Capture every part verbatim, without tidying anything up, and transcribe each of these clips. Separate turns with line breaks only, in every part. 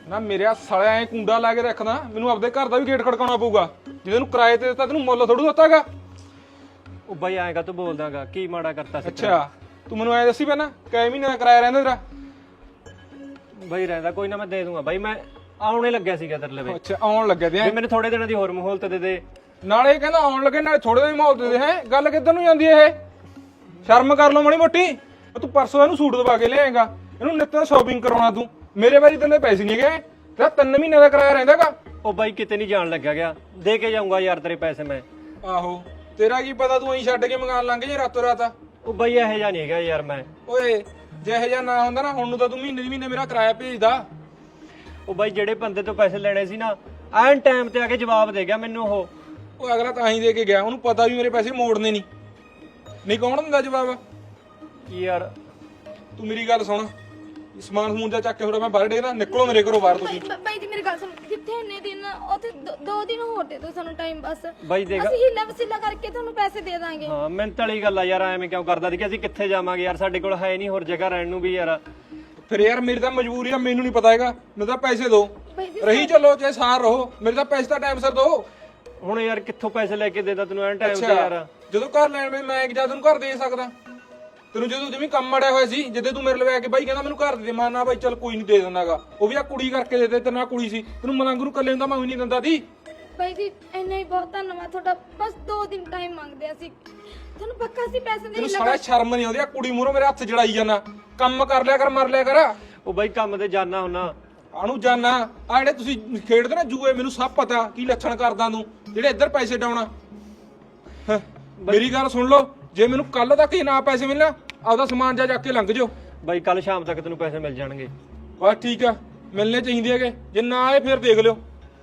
ਨਾ ਮੇਰੇ ਸਾਲਿਆ ਐ ਕੁੰਡਾ ਲਾ ਕੇ ਰੱਖਦਾ ਮੈਨੂੰ ਆਪਦੇ ਘਰ ਦਾ ਵੀ ਗੇਟ ਖੜਕਾਉਣਾ ਪਊਗਾ ਜਿਹਦੇ ਨੂੰ ਕਿਰਾਏ ਤੇ ਦਿੱਤਾ ਤੈਨੂੰ ਮੁੱਲ ਥੋੜੂ ਦਿੱਤਾਗਾ।
ਉਹ ਬਾਈ ਐਂ ਕਾ ਤੂੰ ਬੋਲਦਾਗਾ ਕੀ ਮਾੜਾ ਕਰਤਾ ਸੀ?
ਅੱਛਾ ਤੂੰ ਮੈਨੂੰ ਐ ਦੱਸੀ ਪਹਿਲਾਂ ਕਈ ਮਹੀਨੇ ਦਾ ਕਿਰਾਇਆ ਰਹਿੰਦਾ ਤੇਰਾ?
ਬਾਈ ਰਹਿੰਦਾ ਕੋਈ ਨਾ, ਮੈਂ ਦੇ ਦੂੰਗਾ ਬਾਈ, ਮੈਂ ਆਉਣੇ ਲੱਗਿਆ ਸੀਗਾ ਤੇਰੇ ਲਵੇ।
ਅੱਛਾ ਆਉਣ ਲੱਗੇ ਤੇ
ਵੀ ਮੈਨੂੰ ਥੋੜੇ ਦਿਨਾਂ ਦੀ ਹੋਰ ਮਹੌਲਤ ਦੇ ਦੇ।
ਨਾਲੇ ਕਹਿੰਦਾ ਆਉਣ ਲੱਗੇ ਨਾਲੇ ਥੋੜੇ ਜਿਹੇ ਮਾਹੌਲ ਦੇ ਦੇ। ਹੈ ਗੱਲ ਕਿੱਧਰ ਨੂੰ ਜਾਂਦੀ ਇਹ? ਸ਼ਰਮ ਕਰ ਲਓ ਮਾੜੀ ਮੋਟੀ। ਤੂੰ ਪਰਸੋਂ ਇਹਨੂੰ ਸੂਟ ਦਵਾ ਕੇ ਲਿਆਏਗਾ, ਇਹਨੂੰ ਨਿੱਤ ਸ਼ਾਪਿੰਗ ਕਰਾਉਣਾ ਤੂੰ। ਮੇਰੇ ਵਾਰੀ ਤੇਰੇ ਪੈਸੇ ਨਹੀਂ ਗਏ, ਤੇਰਾ ਤਿੰਨ ਮਹੀਨੇ ਦਾ ਕਿਰਾਇਆ ਰਹਿੰਦਾਗਾ।
ਉਹ ਬਾਈ ਕਿਤੇ ਨਹੀਂ ਜਾਣ ਲੱਗਿਆ ਗਿਆ, ਦੇ ਕੇ ਜਾਊਂਗਾ ਯਾਰ ਤੇਰੇ ਪੈਸੇ ਮੈਂ।
ਆਹੋ ਤੇਰਾ ਕੀ ਪਤਾ ਤੂੰ ਐਂ ਛੱਡ ਕੇ ਮਕਾਨ ਲੰਘ ਜੇ ਰਾਤੋਂ ਰਾਤ।
ਉਹ ਬਾਈ ਇਹੋ ਜਿਹਾ ਨਹੀਂ ਹੈਗਾ ਯਾਰ ਮੈਂ।
ਓਏ ਜਿਹੇ ਜਿਹਾ ਨਾ ਹੁੰਦਾ ਨਾ ਹੁਣ ਨੂੰ ਤਾਂ ਤੂੰ ਮਹੀਨੇ ਦੀ ਮਹੀਨੇ ਮੇਰਾ ਕਿਰਾਇਆ ਭੇਜਦਾ।
ਉਹ ਬਾਈ ਜਿਹੜੇ ਬੰਦੇ ਤੋਂ ਪੈਸੇ ਲੈਣੇ ਸੀ ਨਾ, ਐਨ ਟਾਈਮ ਤੇ ਆ ਕੇ ਜਵਾਬ ਦੇ ਗਿਆ ਮੈਨੂੰ ਉਹ।
ਉਹ ਅਗਲਾ ਤਾਂ ਹੀ ਦੇ ਕੇ ਗਿਆ, ਉਹਨੂੰ ਪਤਾ ਵੀ ਮੇਰੇ ਪੈਸੇ ਮੋੜਨੇ ਨਹੀਂ। ਨਹੀਂ ਕੌਣ ਦਿੰਦਾ ਜਵਾਬ?
ਯਾਰ
ਤੂੰ ਮੇਰੀ ਗੱਲ ਸੁਣ, ਸਮਾਨ ਸਮੂਨ ਦਾ ਚੱਕ ਕੇ ਥੋੜਾ ਮੈਂ ਬਾਹਰ ਡੇਗਦਾ, ਨਿਕਲੋ ਮੇਰੇ ਘਰੋਂ ਬਾਹਰ ਤੁਸੀਂ।
ਬ- ਬਾਈ ਜੀ ਮੇਰੀ ਗੱਲ ਸੁਣ, ਕਿੱਥੇ ਇੰਨੇ ਦਿਨ? ਉੱਥੇ ਦੋ- ਦੋ ਦਿਨ ਹੋਰ ਦੇ ਦਿਓ ਸਾਨੂੰ ਟਾਈਮ ਬਸ।
ਬਾਈ ਦੇਖ
ਅਸੀਂ ਹੀਲਾ ਵਸੀਲਾ ਕਰਕੇ ਤੁਹਾਨੂੰ ਪੈਸੇ ਦੇ ਦਾਂਗੇ।
ਹਾਂ ਮਿਹਨਤ ਵਾਲੀ ਗੱਲ ਆ ਯਾਰ, ਐਵੇਂ ਕਿਉਂ ਕਰਦਾ ਸੀ ਕਿ ਅਸੀਂ ਕਿੱਥੇ ਜਾਵਾਂਗੇ ਯਾਰ, ਸਾਡੇ ਕੋਲ ਹੈ ਨਹੀਂ ਹੋਰ ਜਗ੍ਹਾ ਰਹਿਣ ਨੂੰ ਵੀ ਯਾਰ।
ਫਿਰ ਯਾਰ ਮੇਰੀ ਤਾਂ ਮਜਬੂਰੀ ਆ, ਮੈਨੂੰ ਨਹੀਂ ਪਤਾ ਹੈਗਾ। ਮੈਨੂੰ ਤਾਂ ਪੈਸੇ ਦਿਓ,
ਬਾਈ ਜੀ
ਰਹੀ ਚੱਲੋ ਚਾਹੇ ਸਾਰ ਰਹੋ, ਮੇਰੇ ਤਾਂ ਪੈਸੇ ਤਾਂ ਟਾਈਮ ਸਿਰ ਦਿਓ।
ਹੁਣ ਯਾਰ ਕਿੱਥੋਂ ਪੈਸੇ ਲੈ ਕੇ ਦੇਦਾ ਤੈਨੂੰ ਐਨ ਟਾਈਮ ਤੇ ਯਾਰ?
ਜਦੋਂ ਘਰ ਲੈਣ ਵੇ ਮੈਂ ਜਾਂ ਤੈਨੂੰ ਘਰ ਦੇ ਸਕਦਾ? ਤੈਨੂੰ ਜਦੋਂ ਜਿਵੇਂ ਕੰਮ ਮੜਿਆ ਹੋਇਆ ਸੀ, ਜਦੋਂ ਤੂੰ ਮੇਰੇ ਲਵੇ ਆ ਕੇ ਬਾਈ ਕਹਿੰਦਾ ਮੈਨੂੰ ਘਰ ਦੇ ਦੇ, ਮੈਂ ਨਾ ਬਾਈ ਚੱਲ ਕੋਈ ਨਹੀਂ ਦੇ ਦਿੰਦਾਗਾ। ਉਹ ਵੀ ਆ ਕੁੜੀ ਕਰਕੇ ਦੇ ਦੇ, ਤੇਰੇ ਨਾਲ ਕੁੜੀ ਸੀ, ਤੈਨੂੰ ਮਲੰਗ ਨੂੰ ਕੱਲੇ ਨੂੰ ਤਾਂ ਮੈਂ ਵੀ ਨਹੀਂ ਦਿੰਦਾ ਦੀ।
ਬਾਈ ਜੀ ਇੰਨਾ ਹੀ ਬਹੁਤ ਧੰਨਵਾਦ ਤੁਹਾਡਾ, ਬਸ ਦੋ ਦਿਨ ਟਾਈਮ ਮੰਗਦੇ ਅਸੀਂ, ਤੁਹਾਨੂੰ ਪੱਕਾ ਅਸੀਂ ਪੈਸੇ ਦੇ
ਤੈਨੂੰ ਸਾਲਾ ਸ਼ਰਮ ਨਹੀਂ ਆਉਂਦੀ? ਆ ਕੁੜੀ ਮੂਹਰੋਂ ਮੇਰੇ ਹੱਥ ਜੜਾਈ ਜਾਣਾ, ਕੰਮ ਕਰ ਲਿਆ ਕਰ, ਮਰ ਲਿਆ ਕਰ।
ਉਹ ਬਾਈ ਕੰਮ ਤੇ ਜਾਣਾ ਹੁੰਨਾ।
ਆਣੂ ਜਾਨਾ ਆ ਜਿਹੜੇ ਤੁਸੀਂ ਖੇਡਦੇ ਨਾ ਜੂਏ, ਮੈਨੂੰ ਸਭ ਪਤਾ ਕੀ ਲੱਛਣ ਕਰਦਾ ਤੂੰ, ਜਿਹੜੇ ਇੱਧਰ ਪੈਸੇ ਡਾਉਣਾ। ਹੈਂ, ਮੇਰੀ ਗੱਲ ਸੁਣ ਲਓ, ਜੇ ਮੈਨੂੰ ਕੱਲ ਤੱਕ ਹੀ ਨਾ ਪੈਸੇ ਮਿਲਣਾ, ਆਪਦਾ ਸਮਾਨ ਜਾ ਜਾ ਕੇ ਲੰਘ ਜਾਓ।
ਬਾਈ ਕੱਲ ਸ਼ਾਮ ਤੱਕ ਤੈਨੂੰ ਪੈਸੇ ਮਿਲ ਜਾਣਗੇ।
ਬਸ ਠੀਕ ਆ, ਮਿਲਨੇ ਚਾਹੀਦੇ ਹੈਗੇ, ਜੇ ਨਾ ਆਏ ਫਿਰ ਦੇਖ ਲਿਓ।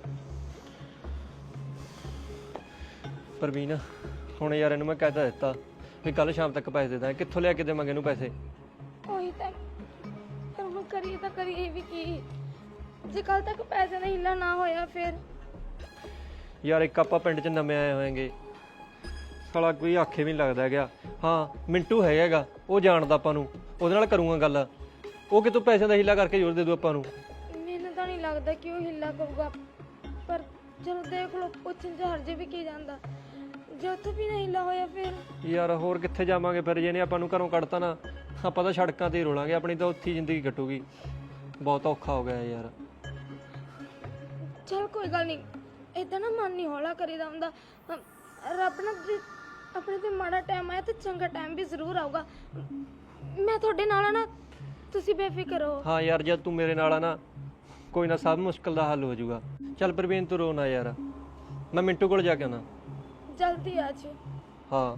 ਪ੍ਰਵੀਨ ਹੁਣ ਯਾਰ ਇਹਨੂੰ ਮੈਂ ਕਹਿ ਤਾਂ ਦਿੱਤਾ ਵੀ ਕੱਲ ਸ਼ਾਮ ਤੱਕ ਪੈਸੇ ਦੇ ਦਾਂ, ਕਿੱਥੋਂ ਲਿਆ ਕੇ ਦੇਵਾਂਗੇ ਇਹਨੂੰ ਪੈਸੇ?
ਉਹੀ ਤਾਂ, ਪਰ ਹੁਣ ਕਰੀਏ ਤਾਂ ਕਰੀਏ ਵੀ ਕੀ? ਜੇ ਕੱਲ ਤੱਕ ਪੈਸੇ ਦਾ ਹੀਲਾ ਨਾ ਹੋਇਆ ਫਿਰ?
ਯਾਰ ਇੱਕ ਆਪਾਂ ਪਿੰਡ 'ਚ ਨਵੇਂ ਆਏ ਹੋਏਗੇ, ਸਾਲਾ ਕੋਈ ਆਖੇ ਵੀ ਨਹੀਂ ਲੱਗਦਾ ਹੈਗਾ। ਹਾਂ ਮਿੰਟੂ ਹੈਗਾ, ਉਹ ਜਾਣਦਾ ਆਪਾਂ ਨੂੰ, ਉਹਦੇ ਨਾਲ ਕਰੂੰਗਾ ਗੱਲ। ਉਹ ਕਿਤੋਂ ਪੈਸਿਆਂ ਦਾ ਹੀਲਾ ਕਰਕੇ ਜ਼ੋਰ ਦੇ ਦੂ ਆਪਾਂ ਨੂੰ।
ਮੈਨੂੰ ਤਾਂ ਨਹੀਂ ਲੱਗਦਾ ਕਿ ਉਹ ਹਿੱਲਾ ਕਰੂਗਾ, ਪਰ ਚਲੋ ਦੇਖ ਲਓ, ਪੁੱਛਣ ਚ ਹਰਜੇ ਵੀ ਕੀ ਜਾਂਦਾ। ਜੇ ਉੱਥੇ ਵੀ ਨਹੀਂ ਹਿੱਲਾ ਹੋਇਆ ਫਿਰ?
ਯਾਰ ਹੋਰ ਕਿੱਥੇ ਜਾਵਾਂਗੇ ਫਿਰ, ਜੇ ਨੇ ਆਪਾਂ ਨੂੰ ਘਰੋਂ ਕੱਢਤਾ ਨਾ, ਆਪਾਂ ਤਾਂ ਸੜਕਾਂ ਤੇ ਹੀ ਰੋਲਾਂਗੇ, ਆਪਣੀ ਤਾਂ ਉੱਥੇ ਹੀ ਜ਼ਿੰਦਗੀ ਕੱਟੂਗੀ। ਬਹੁਤ ਔਖਾ ਹੋ ਗਿਆ ਯਾਰ।
ਚਲ ਕੋਈ ਗੱਲ ਨਹੀਂ, ਏਦਾਂ ਨਾ ਮਨ ਨਹੀਂ ਹੌਲਾ ਕਰੀਦਾ ਹੁੰਦਾ। ਅਮ, ਰੱਬ ਨਾ ਜੇ ਆਪਣੇ ਤੇ ਮਾੜਾ ਟਾਈਮ ਆਇਆ ਤੇ ਚੰਗਾ ਟਾਈਮ ਵੀ ਜ਼ਰੂਰ ਆਊਗਾ। ਮੈਂ ਤੁਹਾਡੇ ਨਾਲ ਆ ਨਾ, ਤੁਸੀਂ ਬੇਫਿਕਰ ਰਹੋ।
ਹਾਂ ਯਾਰ ਜਦ ਤੂੰ ਮੇਰੇ ਨਾਲ ਆ ਨਾ, ਕੋਈ ਨਾ ਸਭ ਮੁਸ਼ਕਲ ਦਾ ਹੱਲ ਹੋ ਜਾਊਗਾ। ਚੱਲ ਪ੍ਰਵੀਨ ਤੂੰ ਰੋ ਨਾ ਯਾਰ, ਮੈਂ ਮਿੰਟੂ ਕੋਲ ਜਾ ਕੇ ਆਉਣਾ।
ਜਲਦੀ ਆ ਜੀ।
ਹਾਂ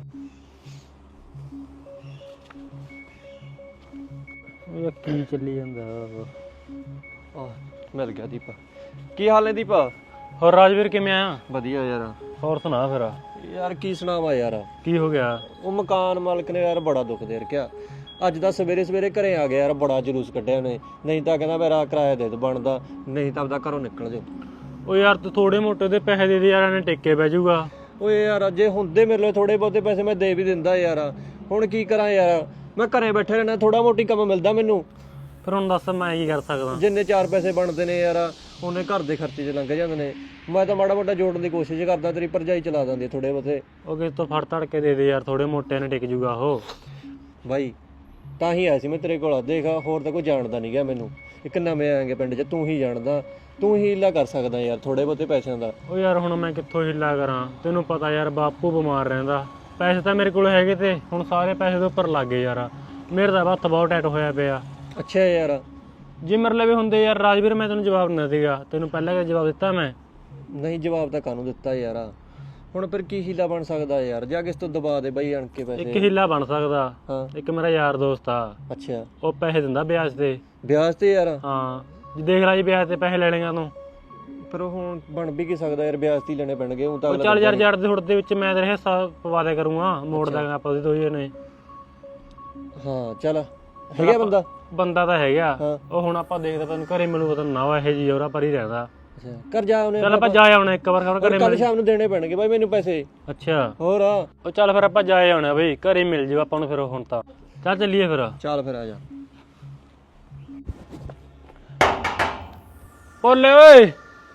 ਇਹ ਕੀ ਚੱਲੀ ਜਾਂਦਾ?
ਆ ਮਿਲ ਗਿਆ ਦੀਪਾ। ਕੀ ਹਾਲ ਹੈ ਦੀਪਾ?
ਹੋਰ ਰਾਜਵੀਰ ਕਿਵੇਂ ਆ?
ਵਧੀਆ ਯਾਰ।
ਹੋਰ ਸੁਣਾ ਫਿਰ,
ਯਾਰ ਕੀ ਸੁਣਾਵਾਂ ਯਾਰ,
ਕੀ ਹੋ ਗਿਆ?
ਉਹ ਮਕਾਨ ਮਾਲਕ ਨੇ ਯਾਰ ਬੜਾ ਦੁੱਖ ਦੇ ਰੱਖਿਆ। ਅੱਜ ਤਾਂ ਸਵੇਰੇ ਸਵੇਰੇ ਘਰੇ ਆ ਗਿਆ ਯਾਰ, ਬੜਾ ਜਲੂਸ ਕੱਢਿਆ ਉਹਨੇ। ਨਹੀਂ ਤਾਂ ਕਹਿੰਦਾ ਮੇਰਾ ਕਿਰਾਇਆ ਦੇ ਦੋ ਬਣਦਾ, ਨਹੀਂ ਤਾਂ ਆਪਦਾ ਘਰੋਂ ਨਿਕਲ ਜਾਓ।
ਉਹ ਯਾਰ ਤੂੰ ਥੋੜੇ ਮੋਟੇ ਦੇ ਪੈਸੇ ਦੇ ਦੇ ਯਾਰ, ਇਹਨੇ ਟਿੱਕੇ ਪੈ ਜਾਊਗਾ।
ਓਏ ਯਾਰ ਜੇ ਹੁੰਦੇ ਮੇਰੇ ਲਈ ਥੋੜੇ ਬਹੁਤੇ ਪੈਸੇ ਮੈਂ ਦੇ ਵੀ ਦਿੰਦਾ ਯਾਰ, ਹੁਣ ਕੀ ਕਰਾਂ ਯਾਰ, ਮੈਂ ਘਰੇ ਬੈਠੇ ਰਹਿਣਾ, ਥੋੜਾ ਮੋਟੀ ਕੰਮ ਮਿਲਦਾ ਮੈਨੂੰ।
ਫਿਰ ਹੁਣ ਦੱਸ ਮੈਂ ਕੀ ਕਰ ਸਕਦਾ?
ਜਿੰਨੇ ਚਾਰ ਪੈਸੇ ਬਣਦੇ ਨੇ ਯਾਰ, ਉਹਨੇ ਘਰ ਦੇ ਖਰਚੇ 'ਚ ਲੰਘ ਜਾਂਦੇ ਨੇ। ਮੈਂ ਤਾਂ ਮਾੜਾ ਮੋਟਾ ਜੋੜਨ ਦੀ ਕੋਸ਼ਿਸ਼ ਕਰਦਾ, ਤੇਰੀ ਭਰਜਾਈ ਚਲਾ ਦਿੰਦੀ ਥੋੜੇ ਬਹੁਤੇ।
ਉਹ ਕਿਸ ਤੋਂ ਫੜ ਧੜ ਕੇ ਦੇ ਦੇ ਯਾਰ, ਥੋੜੇ ਮੋਟੇ ਨੇ ਟਿਕ ਜੂਗਾ ਉਹ।
ਬਾਈ ਤਾਂ ਹੀ ਆਇਆ ਸੀ ਮੈਂ ਤੇਰੇ ਕੋਲ। ਦੇਖ ਹੋਰ ਤਾਂ ਕੋਈ ਜਾਣਦਾ ਨਹੀਂ ਗਿਆ ਮੈਨੂੰ, ਇੱਕ ਨਵੇਂ ਆਏਗੇ ਪਿੰਡ 'ਚ, ਤੂੰ ਹੀ ਜਾਣਦਾ, ਤੂੰ ਹੀ ਹੀਲਾ ਕਰ ਸਕਦਾ ਯਾਰ ਥੋੜੇ ਬਹੁਤੇ ਪੈਸਿਆਂ ਦਾ।
ਉਹ ਯਾਰ ਹੁਣ ਮੈਂ ਕਿੱਥੋਂ ਹਿੱਲਾ ਕਰਾਂ? ਤੈਨੂੰ ਪਤਾ ਯਾਰ ਬਾਪੂ ਬਿਮਾਰ ਰਹਿੰਦਾ, ਪੈਸੇ ਤਾਂ ਮੇਰੇ ਕੋਲ ਹੈਗੇ ਤੇ ਹੁਣ ਸਾਰੇ ਪੈਸੇ ਦੇ ਉੱਪਰ ਲੱਗ ਗਏ ਯਾਰ। ਮੇਰੇ ਤਾਂ ਹੱਥ ਬਹੁਤ ਟਾਈਟ ਹੋਇਆ ਪਿਆ।
ਅੱਛਾ ਯਾਰ।
ਜੇ ਮੇਰੇ ਲਵੇ ਹੁੰਦੇ ਯਾਰ ਰਾਜਵੀਰ, ਮੈਂ ਤੈਨੂੰ ਜਵਾਬ ਨਾ ਦੇਗਾ। ਤੈਨੂੰ ਪਹਿਲਾਂ ਕਿ ਜਵਾਬ ਦਿੱਤਾ ਮੈਂ?
ਨਹੀਂ ਜਵਾਬ ਤਾਂ ਕਾਹਨੂੰ ਦਿੱਤਾ ਯਾਰ, ਹੁਣ ਫਿਰ ਕੀ ਹੀਲਾ ਬਣ ਸਕਦਾ ਯਾਰ? ਜਾ ਕਿਸ ਤੋਂ ਦਬਾ ਦੇ ਬਾਈ ਅਣ ਕੇ
ਇੱਕ
ਪੈਸੇ।
ਹਿੱਲਾ ਬਣ ਸਕਦਾ।
ਹਾਂ
ਇੱਕ ਮੇਰਾ ਯਾਰ ਦੋਸਤ ਆ,
ਅੱਛਾ,
ਉਹ ਪੈਸੇ ਦਿੰਦਾ ਵਿਆਜ ਤੇ।
ਵਿਆਜ ਤੇ ਯਾਰ?
ਹਾਂ ਜੇ ਦੇਖ ਲੈ ਜੀ ਵਿਆਜ ਤੇ ਪੈਸੇ ਲੈ ਲੇਗਾ ਤੂੰ।
ਪਰ ਹੁਣ ਬਣ ਵੀ ਕੀ ਸਕਦਾ ਯਾਰ, ਵਿਆਜ ਤੇ ਹੀ ਲੈਣੇ ਪੈਣਗੇ। ਉਹ ਤਾਂ
ਉਹ ਚੱਲ ਯਾਰ ਜੜ ਦੇ ਹੁੜ ਦੇ ਵਿੱਚ ਮੈਂ ਤੇਰੇ ਹਿੱਸਾ ਪਵਾ ਦਿਆ ਕਰੂੰਗਾ, ਮੋੜ ਦਾਂਗਾ ਆਪਾਂ ਉਹਦੇ ਦੋਏ ਨੇ।
ਹਾਂ ਚੱਲ, ਹੈਗਾ ਬੰਦਾ?
ਬੰਦਾ ਤਾਂ ਹੈਗਾ।
ਹਾਂ।
ਉਹ ਹੁਣ ਆਪਾਂ ਦੇਖਦੇ ਤੈਨੂੰ ਘਰੇ ਮਿਲੂਗਾ, ਤੈਨੂੰ ਨਾ ਇਹ ਜੀ ਉਹਰਾ ਪਰ ਹੀ ਰਹਿੰਦਾ।
ਅੱਛਾ ਕਰ ਜਾ ਉਹਨੇ।
ਚੱਲ ਆਪਾਂ ਜਾ ਆਉਣਾ ਇੱਕ ਵਾਰ ਖਬਰ ਘਰੇ
ਕੱਲ
ਮਿਲ।
ਸ਼ਾਮ ਨੂੰ ਦੇਣੇ ਪੈਣਗੇ ਬਾਈ ਮੈਨੂੰ ਪੈਸੇ।
ਅੱਛਾ
ਹੋਰ
ਉਹ ਚੱਲ ਫਿਰ ਆਪਾਂ ਜਾ ਆਉਣਾ ਬਈ, ਘਰੇ ਮਿਲ ਜਾਊ ਆਪਾਂ ਨੂੰ ਫਿਰ ਹੁਣ ਤਾਂ। ਚੱਲ ਚੱਲੀਏ ਫਿਰ।
ਚੱਲ ਫਿਰ ਆ ਜਾ।
ਭੋਲੇ ਓਏ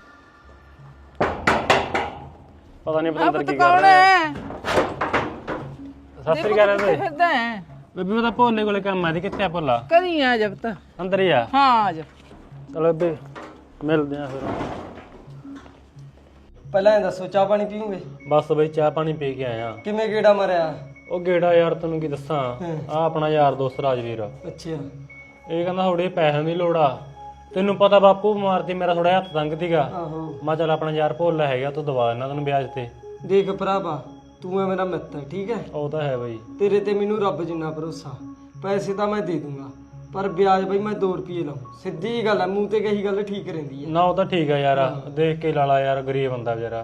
ਪਤਾ ਨਹੀਂ ਪਤੰਦਰ ਕੀ ਕਰ ਰਿਹਾ ਹੈ। ਸਤਿ ਸ੍ਰੀ ਅਕਾਲ ਬੇਬੇ।
ਫਿਰਦਾ ਹੈ
ਬੇਬੇ ਮੈਂ ਤਾਂ ਭੋਲੇ ਕੋਲੇ ਕੰਮ ਆਦੀ ਕਿੱਥੇ ਆ ਭੋਲਾ?
ਕਦੀ ਆ ਜਬ ਤਾਂ
ਅੰਦਰ ਹੀ ਆ।
ਹਾਂ ਆ ਜਾ
ਚਲੋ ਬੇਬੇ ਮਿਲਦੇ ਆ ਫਿਰ।
ਪਹਿਲਾਂ ਇਹ ਦੱਸੋ ਚਾਹ ਪਾਣੀ ਪੀਓਗੇ?
ਬਸ ਬਈ ਚਾਹ ਪਾਣੀ ਪੀ ਕੇ ਆਇਆ।
ਕਿਵੇਂ ਗੇੜਾ ਮਾਰਿਆ?
ਉਹ ਗੇੜਾ ਯਾਰ ਤੈਨੂੰ ਕੀ ਦੱਸਾਂ, ਆ ਆਪਣਾ ਯਾਰ ਦੋਸਤ ਰਾਜਵੀਰ
ਅੱਛਾ
ਇਹ ਕਹਿੰਦਾ ਥੋੜੇ ਪੈਸਿਆਂ ਦੀ ਲੋੜ ਆ। ਤੈਨੂੰ ਪਤਾ ਬਾਪੂ ਬਿਮਾਰ ਸੀ, ਮੇਰਾ ਥੋੜਾ ਹੱਥ ਤੰਗ ਸੀਗਾ।
ਆਹੋ
ਮੈਂ ਚੱਲ ਆਪਣਾ ਯਾਰ ਭੋਲਾ ਹੈਗਾ ਤੂੰ ਦਵਾ ਦੇਣਾ ਤੈਨੂੰ ਵਿਆਜ ਤੇ।
ਦੇਖ ਭਰਾਵਾ ਤੂੰ ਹੈ ਮੇਰਾ ਮਿੱਤਰ ਠੀਕ ਹੈ,
ਉਹ ਤਾਂ ਹੈ ਬਈ।
ਤੇਰੇ ਤੇ ਮੈਨੂੰ ਰੱਬ ਜਿੰਨਾ ਭਰੋਸਾ। ਪੈਸੇ ਤਾਂ ਮੈਂ ਦੇ ਦੂੰਗਾ ਪਰ ਵਿਆਜ ਬਈ ਮੈਂ ਦੋ ਰੁਪਏ ਲਾਉਂ। ਸਿੱਧੀ ਜੀ ਗੱਲ ਹੈ, ਮੂੰਹ ਤੇ ਕਹੀ ਗੱਲ ਠੀਕ ਰਹਿੰਦੀ ਹੈ
ਨਾ ਉਹ ਤਾਂ ਠੀਕ ਆ ਯਾਰ, ਦੇਖ ਕੇ ਲਾਲਾ ਯਾਰ, ਗਰੀਬ ਬੰਦਾ ਵਿਚਾਰਾ।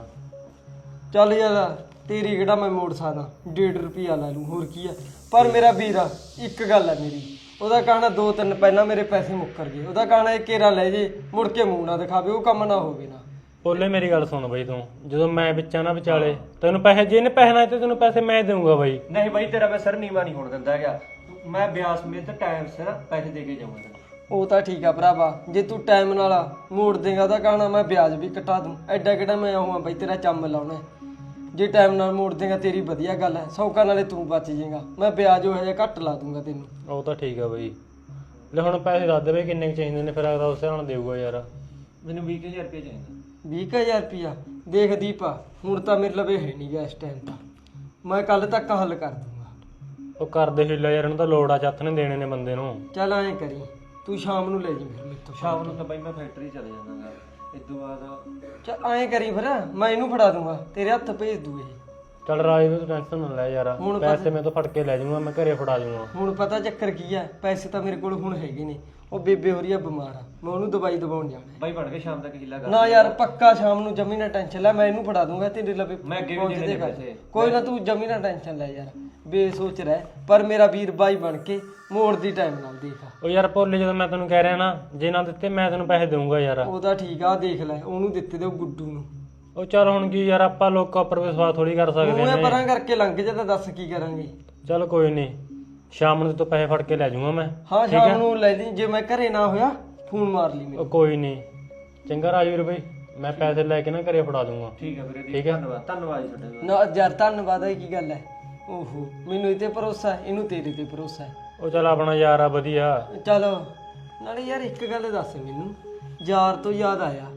ਚੱਲ ਯਾਰ ਤੇਰੀ ਕਿਹੜਾ ਮੈਂ ਮੋੜ ਸਕਦਾ, ਡੇਢ ਰੁਪਿਆ ਲਾ ਲੂੰ ਹੋਰ ਕੀ ਆ। ਪਰ ਮੇਰਾ ਵੀਰ ਆ ਇੱਕ ਗੱਲ ਹੈ ਮੇਰੀ, ਉਹਦਾ ਕਹਿਣਾ ਦੋ ਤਿੰਨ ਪਹਿਲਾਂ ਮੇਰੇ ਪੈਸੇ ਮੁੱਕਰ ਗਏ। ਉਹਦਾ ਕਹਿਣਾ ਇਹ ਕੇਰਾ ਲੈ ਜੇ ਮੁੜ ਕੇ ਮੂੰਹ ਨਾ ਦਿਖਾਵੇ, ਉਹ ਕੰਮ ਨਾ ਹੋਵੇ ਨਾ।
ਭੋਲੇ ਮੇਰੀ ਗੱਲ ਸੁਣ ਬਈ, ਤੂੰ ਜਦੋਂ ਮੈਂ ਵਿੱਚਾਂ ਨਾ ਵਿਚਾਲੇ ਤੈਨੂੰ ਪੈਸੇ ਜੇ ਨੇ ਪੈਸੇ ਨਾ ਤੇ ਤੈਨੂੰ ਪੈਸੇ ਮੈਂ ਦੇਊਂਗਾ ਬਾਈ।
ਨਹੀਂ ਬਾਈ ਤੇਰਾ ਮੈਂ ਸਰ ਨੀਵਾ ਨਹੀਂ ਹੋਣ ਦਿੰਦਾ ਹੈਗਾ। ਮੈਂ ਬਿਆਸ ਸਮੇਤ ਟਾਈਮ ਸਿਰ ਪੈਸੇ ਦੇ ਕੇ ਜਾਊਂਗਾ ਤੈਨੂੰ।
ਉਹ ਤਾਂ ਠੀਕ ਆ ਭਰਾਵਾ, ਜੇ ਤੂੰ ਟਾਈਮ ਨਾਲ ਮੋੜ ਦੇਗਾ ਉਹਦਾ ਕਹਿਣਾ ਮੈਂ ਵਿਆਜ ਵੀ ਕਟਾ ਦੂੰ। ਐਡਾ ਕਿਹੜਾ ਮੈਂ ਆਉਂਗਾ ਬਈ ਤੇਰਾ ਚੰਮ ਲਾਉਣਾ। ਜੇ ਟਾਈਮ ਨਾਲ ਮੋੜ ਦੇਗਾ ਤੇਰੀ ਵਧੀਆ ਗੱਲ ਹੈ, ਸੌਕਾ ਨਾਲੇ ਤੂੰ ਬਚ ਜਾਏਗਾ। ਮੈਂ ਵਿਆਜ ਉਹ ਜਿਹਾ ਘੱਟ ਲਾ ਦੂੰਗਾ ਤੈਨੂੰ।
ਉਹ ਤਾਂ ਠੀਕ ਆ ਬਈ। ਲੈ ਹੁਣ ਪੈਸੇ ਦੱਸ ਦੇ ਬਈ ਕਿੰਨੇ ਕੁ ਚਾਹੀਦੇ ਨੇ, ਫਿਰ ਅਗਲਾ ਉਸੇ ਨਾਲ ਦੇਊਗਾ ਯਾਰ।
ਮੈਨੂੰ ਵੀਹ ਹਜ਼ਾਰ ਰੁਪਏ ਚਾਹੀਦਾ।
ਵੀਹ ਕੁ ਹਜ਼ਾਰ ਰੁਪਿਆ ਦੇਖ ਦੀਪਾ, ਹੁਣ ਤਾਂ ਮੇਰੇ ਲਵੇ ਹੈ ਨਹੀਂ ਗਾ ਇਸ ਟਾਈਮ ਤਾਂ। ਮੈਂ ਕੱਲ ਤੱਕ ਹੱਲ ਕਰ ਦੂੰਗਾ।
ਉਹ ਕਰਦੇ ਹਿੱਲਾ ਯਾਰ, ਇਹਨੂੰ ਤਾਂ ਲੋੜ ਆ, ਚੱਥ ਨੇ ਦੇਣੇ ਨੇ ਬੰਦੇ ਨੂੰ।
ਚੱਲ ਐਂ ਕਰੀ ਤੂੰ ਸ਼ਾਮ ਨੂੰ ਲੈ ਜੀ ਫਿਰ ਮੇਰੇ ਤੋਂ।
ਸ਼ਾਮ ਨੂੰ ਤਾਂ ਬਾਈ ਮੈਂ ਫੈਕਟਰੀ ਚਲੇ ਜਾਂਦਾਗਾ। ਇਸ ਤੋਂ ਬਾਅਦ
ਚੱਲ ਐਂ ਕਰੀ ਫਿਰ ਮੈਂ ਇਹਨੂੰ ਫੜਾ ਦੂੰਗਾ, ਤੇਰੇ ਹੱਥ ਭੇਜ ਦੂ ਇਹ।
ਚੱਲ ਰਾਜ ਵੀ ਤੂੰ ਟੈਨਸ਼ਨ ਨਾ ਲੈ ਯਾਰ,
ਹੁਣ
ਪੈਸੇ ਮੈਂ ਤੋਂ ਫੜ ਕੇ ਲੈ ਜਾਊਂਗਾ, ਮੈਂ ਘਰੇ ਫੜਾ ਜਾਊਂਗਾ।
ਹੁਣ ਪਤਾ ਚੱਕਰ ਕੀ ਹੈ, ਪੈਸੇ ਤਾਂ ਮੇਰੇ ਕੋਲ ਹੁਣ ਹੈਗੇ ਨੇ। ਉਹ ਬੇਬੇ ਹੋ ਰਹੀ ਆ ਬਿਮਾਰ ਆ, ਮੈਂ ਉਹਨੂੰ ਦਵਾਈ ਦਵਾਉਣ ਜਾਣਾ ਹੈ।
ਬਾਈ ਬਣ ਕੇ ਸ਼ਾਮ ਤੱਕ ਹਿੱਲਾ ਕਰ
ਨਾ ਯਾਰ ਪੱਕਾ ਸ਼ਾਮ ਨੂੰ ਜਮੀ ਨਾ ਟੈਨਸ਼ਨ ਲੈ, ਮੈਂ ਇਹਨੂੰ ਫੜਾ ਦੂੰਗਾ ਤੇਰੇ ਲਵੇ।
ਮੈਂ ਅੱਗੇ ਵੀ ਦੇਣੇ ਨੇ ਪੈਸੇ।
ਕੋਈ ਨਾ ਤੂੰ ਜਮੀ ਨਾ ਟੈਨਸ਼ਨ ਲੈ ਯਾਰ, ਬੇਸੋਚ ਰਹਿ। ਪਰ ਮੇਰਾ ਵੀਰ ਬਾਈ ਬਣ ਕੇ ਮੋੜ ਦੀ ਟਾਈਮ ਨਾਲ ਦੇਖ।
ਉਹ ਯਾਰ ਭੋਲੇ ਜਦੋਂ ਮੈਂ ਤੈਨੂੰ ਕਹਿ ਰਿਹਾ ਨਾ, ਜੇ ਨਾ ਦਿੱਤੇ ਮੈਂ ਤੈਨੂੰ ਪੈਸੇ ਦੇਊਂਗਾ ਯਾਰ।
ਉਹਦਾ ਠੀਕ ਆ, ਦੇਖ ਲੈ ਉਹਨੂੰ ਦਿੱਤੇ ਦੇ ਉਹ ਗੁੱਡੂ ਨੂੰ।
ਉਹ ਚੱਲ ਹੁਣ ਕੀ ਯਾਰ, ਆਪਾਂ ਲੋਕਾਂ ਉੱਪਰ ਵਿਸ਼ਵਾਸ ਥੋੜੀ ਕਰ ਸਕਦੇ
ਉਹ
ਨੇ।
ਪਰਾਂ ਕਰਕੇ ਲੰਘ ਜਾ ਤਾਂ ਦੱਸ ਕੀ ਕਰਾਂਗੇ।
ਚੱਲ ਕੋਈ ਨਹੀਂ, ਸ਼ਾਮ ਨੂੰ ਤੂੰ ਪੈਸੇ ਫੜ ਕੇ ਲੈ ਜਾਊਂਗਾ ਮੈਂ।
ਹਾਂ ਸ਼ਾਮ ਨੂੰ ਲੈ ਲਈ, ਜੇ ਮੈਂ ਘਰੇ ਨਾ ਹੋਇਆ ਫੋਨ ਮਾਰ ਲਈ
ਉਹ
ਮੈਨੂੰ।
ਕੋਈ ਨਹੀਂ, ਚੰਗਾ ਰਾਜਵੀਰ ਬਈ, ਮੈਂ ਪੈਸੇ ਲੈ ਕੇ ਨਾ ਘਰੇ ਫੜਾ ਦੂੰਗਾ।
ਠੀਕ ਹੈ ਵੀਰੇ।
ਠੀਕ ਹੈ।
ਧੰਨਵਾਦ ਧੰਨਵਾਦ ਜੀ ਤੁਹਾਡਾ।
ਨਾ ਯਾਰ ਧੰਨਵਾਦ ਹੈ ਕੀ ਗੱਲ ਹੈ। ਓਹੋ ਮੈਨੂੰ ਇਹ ਤੇ ਭਰੋਸਾ ਹੈ, ਇਹਨੂੰ ਤੇਰੇ ਤੇ ਭਰੋਸਾ ਹੈ।
ਉਹ ਚੱਲ ਆਪਣਾ ਯਾਰ ਆ ਵਧੀਆ।
ਚਲੋ ਨਾਲੇ ਯਾਰ ਇੱਕ ਗੱਲ ਦੱਸ ਮੈਨੂੰ, ਯਾਰ ਤੋਂ ਯਾਦ ਆਇਆ,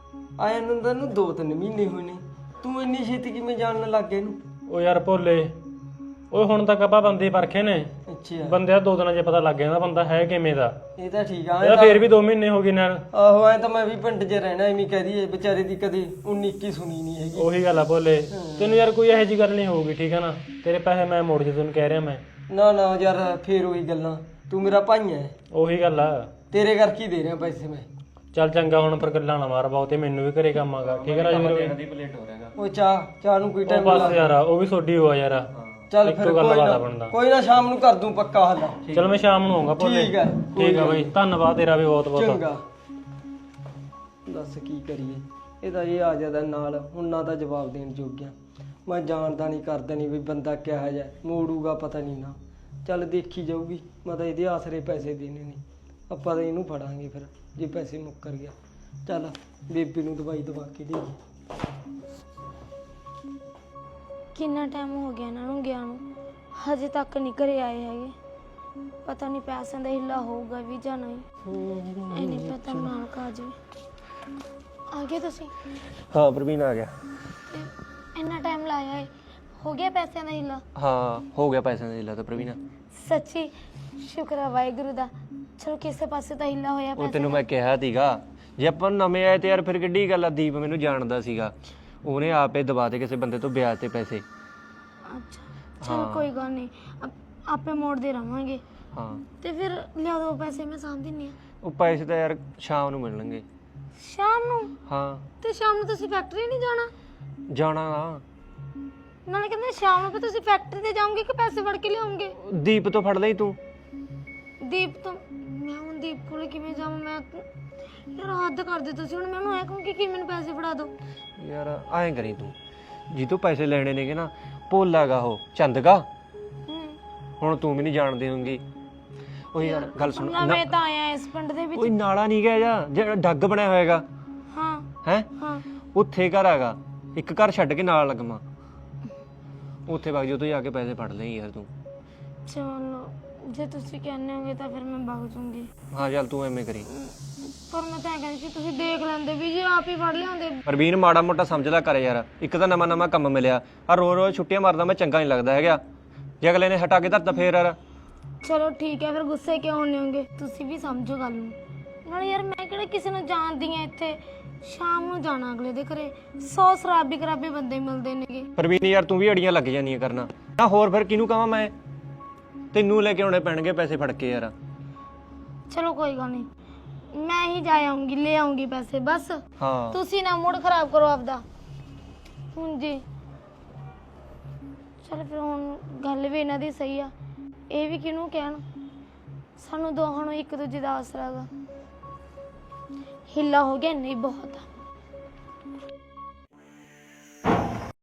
ਆਇਆ ਨੂੰ ਤਾਂ ਨੂੰ ਦੋ ਤਿੰਨ ਮਹੀਨੇ ਹੋਏ ਨੇ, ਤੂੰ ਇੰਨੀ ਛੇਤੀ ਕਿਵੇਂ ਜਾਣਨ ਲੱਗ ਗਿਆ ਇਹਨੂੰ?
ਉਹ ਯਾਰ ਭੋਲੇ, ਉਹ ਹੁਣ ਤੱਕ ਆਪਾਂ ਬੰਦੇ ਪਰਖੇ ਨੇ,
ਅੱਛਾ
ਬੰਦੇ ਦਾ ਦੋ ਦਿਨਾਂ 'ਚ ਪਤਾ ਲੱਗ ਜਾਂਦਾ ਬੰਦਾ ਹੈ ਕਿਵੇਂ ਦਾ।
ਇਹ ਤਾਂ ਠੀਕ ਆ।
ਇਹਦਾ ਫੇਰ ਵੀ ਦੋ ਮਹੀਨੇ ਹੋ ਗਏ ਨਾਲ।
ਆਹੋ ਐ ਤਾਂ ਮੈਂ ਵੀ ਪਿੰਡ 'ਚ ਰਹਿਣਾ, ਐਵੇਂ ਕਹਿ ਦਈਏ ਵਿਚਾਰੇ ਦੀ ਕਦੇ ਉਨੀ ਇੱਕੀ ਸੁਣੀ ਨਹੀਂ ਹੈਗੀ।
ਉਹੀ ਗੱਲ ਆ ਭੋਲੇ, ਤੈਨੂੰ ਯਾਰ ਕੋਈ ਇਹੋ ਜਿਹੀ ਗੱਲ ਨਹੀਂ ਹੋਊਗੀ, ਠੀਕ ਹੈ ਨਾ। ਤੇਰੇ ਪੈਸੇ ਮੈਂ ਮੋੜ ਜੇ ਤੈਨੂੰ ਕਹਿ ਰਿਹਾ ਮੈਂ।
ਨਾ ਨਾ ਯਾਰ ਫੇਰ ਉਹੀ ਗੱਲਾਂ, ਤੂੰ ਮੇਰਾ ਭਾਈ ਹੈ,
ਉਹੀ ਗੱਲ ਆ।
ਤੇਰੇ ਕਰਕੇ ਹੀ ਦੇ ਰਿਹਾ ਪੈਸੇ ਮੈਂ।
ਚੱਲ ਚੰਗਾ, ਹੁਣ ਪਰ ਗੱਲਾਂ ਨਾ ਮਾਰ ਬਹੁਤੇ, ਮੈਨੂੰ ਵੀ ਘਰੇ ਕੰਮ ਆਗਾ। ਠੀਕ ਹੈ ਰਾਜਵੀਰ
ਦੀ ਪਲੇਟ ਹੋ ਰਿਹਾਗਾ।
ਉਹ ਚਾਹ ਚਾਹ ਨੂੰ ਕੋਈ
ਉਹ
ਟਾਈਮ
ਬਸ ਯਾਰ, ਉਹ ਵੀ ਤੁਹਾਡੀ ਹੋਆ ਯਾਰ।
ਚੱਲ
ਇੱਕੋ
ਫਿਰ
ਗੱਲ
ਕੋਈ
ਬਾਤ ਆ
ਨਾ
ਬਣਦਾ।
ਕੋਈ ਨਾ ਸ਼ਾਮ ਨੂੰ ਕਰ ਦੂੰ ਪੱਕਾ ਹੱਲ।
ਚਲ ਮੈਂ ਸ਼ਾਮ ਨੂੰ ਆਉਂਗਾ ਭੋਲੇ।
ਠੀਕ ਹੈ,
ਠੀਕ ਆ ਬਈ, ਧੰਨਵਾਦ ਤੇਰਾ ਵੀ ਬਹੁਤ ਬਹੁਤ।
ਚੰਗਾ। ਦੱਸ ਕੀ ਕਰੀਏ, ਇਹਦਾ ਇਹ ਆ ਜਾਂਦਾ ਨਾਲ, ਹੁਣ ਨਾ ਤਾਂ ਜਵਾਬ ਦੇਣ ਜੋਗਿਆ। ਮੈਂ ਜਾਣਦਾ ਨਹੀਂ ਕਰਦਾ ਨਹੀਂ ਵੀ ਬੰਦਾ ਕਿਹੋ ਜਿਹਾ, ਮੋੜੂਗਾ ਪਤਾ ਨਹੀਂ ਨਾ। ਚੱਲ ਦੇਖੀ ਜਾਊਗੀ, ਮੈਂ ਤਾਂ ਇਹਦੇ ਆਸਰੇ ਪੈਸੇ ਦੇਣੇ ਨੇ, ਆਪਾਂ ਤਾਂ ਇਹਨੂੰ ਫੜਾਂਗੇ ਫਿਰ ਜੇ ਪੈਸੇ ਮੁੱਕਰ ਗਿਆ। ਚੱਲ ਬੇਬੇ ਨੂੰ ਦਵਾਈ ਦਵਾ ਕੇ ਦੇਈਏ।
ਕਿੰਨਾ ਟਾਈਮ ਹੋ ਗਿਆ ਇਹਨਾਂ ਨੂੰ ਗਿਆ ਨੂੰ, ਹਜੇ ਤੱਕ ਨਹੀਂ ਘਰੇ ਆਏ ਹੈਗੇ। ਪਤਾ ਨਹੀਂ ਪੈਸਿਆਂ ਦਾ ਹਿੱਲਾ ਹੋਊਗਾ ਵੀ ਜਾਂ ਨਹੀਂ। ਇਹ ਨਹੀਂ ਪਤਾ ਨਾਲ ਕਾ ਜਾਵੇ। ਆ ਗਏ ਤੁਸੀਂ?
ਹਾਂ ਪ੍ਰਵੀਨ ਆ ਗਿਆ।
ਤੇ ਇੰਨਾ ਟਾਈਮ ਲਾਇਆ ਹੈ, ਹੋ ਗਿਆ ਪੈਸਿਆਂ ਦਾ ਹਿੱਲਾ?
ਹਾਂ ਹੋ ਗਿਆ ਪੈਸਿਆਂ ਦਾ ਹਿੱਲਾ ਤਾਂ ਪ੍ਰਵੀਨ।
ਸੱਚੀ ਸ਼ੁਕਰ ਆ ਵਾਹਿਗੁਰੂ ਦਾ, ਚਲੋ ਕਿਸੇ ਪਾਸੇ ਤਾਂ ਹਿੱਲਾ ਹੋਇਆ
ਉਹ
ਪੈਸੇ
ਤੈਨੂੰ ਮੈਂ ਕਿਹਾ ਸੀਗਾ, ਜੇ ਆਪਾਂ ਨਵੇਂ ਆਏ ਤੇ ਯਾਰ ਫਿਰ ਕਿੱਡੀ ਗੱਲ ਆ। ਦੀਪ ਮੈਨੂੰ ਜਾਣਦਾ ਸੀਗਾ, ਉਹਨੇ ਆਪੇ ਦਬਾ ਤੇ ਕਿਸੇ ਬੰਦੇ ਤੋਂ ਵਿਆਜ ਤੇ ਪੈਸੇ।
ਅੱਛਾ ਚਲ ਕੋਈ ਗੱਲ ਨਹੀਂ, ਆਪ- ਆਪੇ ਮੋੜਦੇ ਰਵਾਂਗੇ।
ਹਾਂ
ਤੇ ਫਿਰ ਲਿਆ ਦੋ ਪੈਸੇ, ਮੈਂ ਸਾਂਭ ਦਿੰਨੀ ਆ।
ਉਹ ਪੈਸੇ ਤਾਂ ਯਾਰ ਸ਼ਾਮ ਨੂੰ ਮਿਲਣਗੇ।
ਸ਼ਾਮ ਨੂੰ?
ਹਾਂ
ਤੇ ਸ਼ਾਮ ਨੂੰ ਤੁਸੀਂ ਫੈਕਟਰੀ ਨਹੀਂ ਜਾਣਾ?
ਜਾਣਾ ਨਾ।
ਨਾਲੇ ਕਹਿੰਦੇ ਸ਼ਾਮ ਨੂੰ ਫਿਰ ਤੁਸੀਂ ਫੈਕਟਰੀ ਤੇ ਜਾਓਗੇ ਕਿ ਪੈਸੇ ਫੜ ਕੇ ਲਿਆਉਂਗੇ?
ਦੀਪ ਤੋਂ ਫੜ ਲਈ ਤੂੰ।
ਦੀਪ ਤੋਂ? ਮੈਂ ਹੁਣ ਦੀਪ ਕੋਲ ਕਿਵੇਂ ਜਾਵਾਂ? ਮੈਂ ਤਾਂ- ਯਾਰ ਹੱਦ ਕਰਦੇ ਤੁਸੀਂ ਹੁਣ। ਮੈਨੂੰ ਐ ਕਹੂੰ ਕਿ ਮੈਨੂੰ ਪੈਸੇ ਫੜਾ ਦਿਓ।
ਯਾਰ ਐਂ ਕਰੀ ਤੂੰ, ਜੀ ਤੂੰ ਪੈਸੇ ਲੈਣੇ ਨੇਗੇ ਨਾ, ਭੋਲਾਗਾ ਉਹ ਚੰਦਗਾ,
ਹੂੰ
ਹੁਣ ਤੂੰ ਵੀ ਨਹੀਂ ਜਾਣਦੀ ਹੋਊਗੀ। ਉਹ ਯਾਰ ਗੱਲ ਸੁਣ,
ਮੈਂ ਤਾਂ ਆਇਆ ਇਸ ਪਿੰਡ ਦੇ ਵਿੱਚ।
ਕੋਈ ਨਾਲਾ ਨਹੀਂ ਗਿਆ ਜਾਂ ਜਿਹੜਾ ਡੱਗ ਬਣਿਆ ਹੋਏਗਾ, ਹੈ
ਹਾਂ
ਉੱਥੇ ਘਰ ਹੈਗਾ, ਇੱਕ ਘਰ ਛੱਡ ਕੇ ਨਾਲ ਲੱਗਮਾ, ਉੱਥੇ ਵਗ ਜਾ ਤੂੰ ਜਾ ਕੇ ਪੈਸੇ ਫੜ ਲਈ ਯਾਰ ਤੂੰ।
ਚਲੋ ਜੇ ਤੁਸੀਂ ਕਹਿੰਦੇ ਹੋਗੇ ਤਾਂ ਫਿਰ ਮੈਂ ਵਗ ਜੂੰਗੀ।
ਹਾਂ ਚੱਲ ਤੂੰ ਐਵੇਂ ਕਰੀ।
ਪਰ ਮੈਂ ਤਾਂ ਇਹ ਕਹਿੰਦੀ ਸੀ ਤੁਸੀਂ ਦੇਖ ਲੈਂਦੇ ਵੀ ਜੇ ਆਪ ਹੀ ਫੜ ਲਿਆਉਂਦੇ।
ਪ੍ਰਵੀਨ ਮਾੜਾ ਮੋਟਾ ਸਮਝਦਾ ਕਰ ਯਾਰ, ਇੱਕ ਤਾਂ ਨਵਾਂ ਨਵਾਂ ਕੰਮ ਮਿਲਿਆ ਆ, ਰੋ ਰੋ ਛੁੱਟੀਆਂ ਮਾਰਦਾ ਮੈਂ ਚੰਗਾ ਨਹੀਂ ਲੱਗਦਾ ਹੈਗਾ, ਜੇ ਅਗਲੇ ਨੇ ਹਟਾ ਕੇ ਧਰਤਾ ਫੇਰ ਯਾਰ।
ਚਲੋ ਠੀਕ ਹੈ, ਫਿਰ ਗੁੱਸੇ ਕਿਉਂ ਹੁੰਦੇ ਹੋਗੇ? ਤੁਸੀਂ ਵੀ ਸਮਝੋ ਗੱਲ ਨੂੰ। ਨਾਲੇ ਯਾਰ ਮੈਂ ਕਿਹੜਾ ਕਿਸੇ ਨੂੰ ਜਾਣਦੀ ਆ, ਇੱਥੇ ਸ਼ਾਮ ਨੂੰ ਜਾਣਾ ਅਗਲੇ ਦੇ ਘਰੇ, ਸੌ ਸ਼ਰਾਬੀ ਖਰਾਬੀ ਬੰਦੇ ਮਿਲਦੇ ਨੇਗੇ।
ਪ੍ਰਵੀਨ ਯਾਰ ਤੂੰ ਵੀ ਅੜੀਆਂ ਲੱਗ ਜਾਂਦੀਆਂ ਕਰਨਾ ਨਾ, ਹੋਰ ਫਿਰ ਕਿਹਨੂੰ ਕਹਾਂ ਮੈਂ, ਤੈਨੂੰ ਲੈ ਕੇ ਆਉਣੇ ਪੈਣਗੇ ਪੈਸੇ ਫੜ ਕੇ ਯਾਰ।
ਚਲੋ ਕੋਈ ਗੱਲ ਨਹੀਂ, ਮੈਂ ਹੀ ਜਾ ਆਉਂਗੀ, ਲੈ ਆਉਂਗੀ ਪੈਸੇ ਬਸ।
ਹਾਂ
ਤੁਸੀਂ ਨਾ ਮੂਡ ਖਰਾਬ ਕਰੋ ਆਪਦਾ ਹੁਣ ਜੀ। ਚਲ ਫਿਰ ਹੁਣ ਗੱਲ ਵੀ ਇਹਨਾਂ ਦੀ ਸਹੀ ਆ, ਇਹ ਵੀ ਕਿਹਨੂੰ ਕਹਿਣ, ਸਾਨੂੰ ਦੋਹਾਂ ਨੂੰ ਇੱਕ ਦੂਜੇ ਦਾ ਆਸਰਾ ਗਾ। ਹਿੱਲਾ ਹੋ ਗਿਆ ਨਹੀਂ ਬਹੁਤ ਆ।